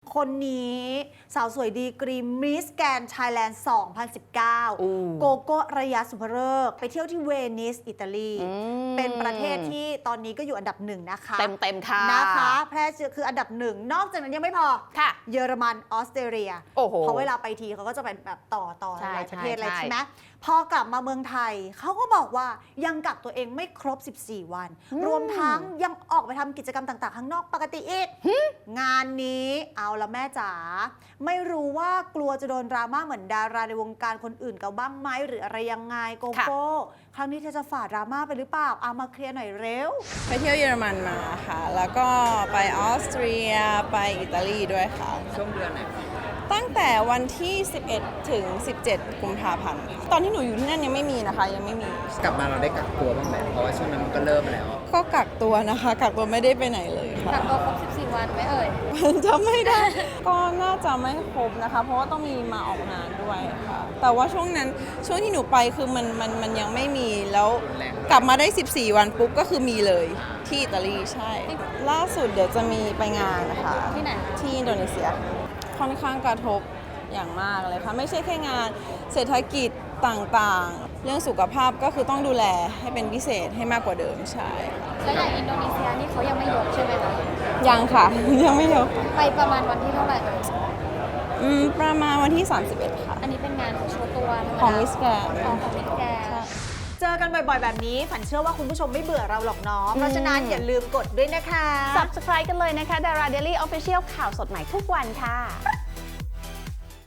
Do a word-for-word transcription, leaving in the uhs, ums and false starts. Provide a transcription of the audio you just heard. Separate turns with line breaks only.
คนนี้สาวสวยดีกรีมิสแกนไทยแลนด์ สองพันสิบเก้า โกโก้ระยะสุภเริกไปเที่ยวที่เวนิสอิตาลีเป็นประเทศที่ตอนนี้ก็อยู่อันดับหนึ่งนะคะ
เต็มเต็มค่ะ
นะคะแพร่เชื้อคืออันดับหนึ่งนอกจากนั้นยังไม่พอ
ค่ะ
เยอรมันออสเตรเลียเพราะเวลาไปทีเขาก็จะเป็นแบบต่อต่อหลายประเทศอะไรใช่ไหมพอกลับมาเมืองไทยเขาก็บอกว่ายังกักตัวเองไม่ครบสิบสี่วันรวมทั้งยังออกไปทำกิจกรรมต่างๆข้างนอกปกติอีกงานนี้เอาละแม่จ๋าไม่รู้ว่ากลัวจะโดนดราม่าเหมือนดาราในวงการคนอื่นกันบ้างไหมหรืออะไรยังไงโกโก้ครั้งนี้เธอจะฝ่าดราม่าไปหรือเปล่าเอามาเคลียร์หน่อยเร็ว
ไปเที่ยวเยอรมันมาค่ะแล้วก็ไปออสเตรียไปอิตาลีด้วยค่ะ
ช่วงเดือนไหน
ตั้งแต่วันที่สิบเอ็ดถึงสิบเจ็ดกุมภาพันธ์ตอนที่หนูอยู่ที่นั่นยังไม่มีนะคะยังไม่มี
กลับมาเราได้กักตัวบ้างไหมเพราะว่าช่วงนั้นมันก็เริ่มแล้ว
ก็กักตัวนะคะกักตัวไม่ได้ไปไหนเลยค่ะ
กักตัวครบสิบสี่วันไหมเอ่ย
จำไม่ได้ ก็น่าจะไม่ครบนะคะเพราะว่าต้องมีมาออกงานด้วยค่ะแต่ว่าช่วงนั้นช่วงที่หนูไปคือมันมันมันยังไม่มีแล้วกลับมาได้สิบสี่วันปุ๊บก็คือมีเลยที่อิตาลีใช่ล่าสุดเดี๋ยวจะมีไปงานนะคะ
ที่ไหน
ที่อินโดนีเซียค่อนข้างกระทบอย่างมากเลยค่ะไม่ใช่แค่งานเศรษฐกิจต่างๆเรื่องสุขภาพก็คือต้องดูแลให้เป็นพิเศษให้มากกว่าเดิมใช่
แล้วอย่างอินโดนีเซียนี่เขายังไม่ยกใช่ไหมคะ
ยังค่ะยังไม่ยก
ไปประมาณวันที่เท่าไหร่
อืมประมาณวันที่สามสิบเอ็ดค่ะ
อันนี้เป็นงานโชว์ตัว
ของมิสแกรนด์
ของมิสแกรนด์
เจอกันบ่อยๆแบบนี้ฝันเชื่อว่าคุณผู้ชมไม่เบื่อเราหรอกเนาะเพราะฉะนั้นอย่าลืมกดด้วยนะคะ
Subscribe กันเลยนะคะ Dara Daily Official ข่าวสดใหม่ทุกวันค่ะ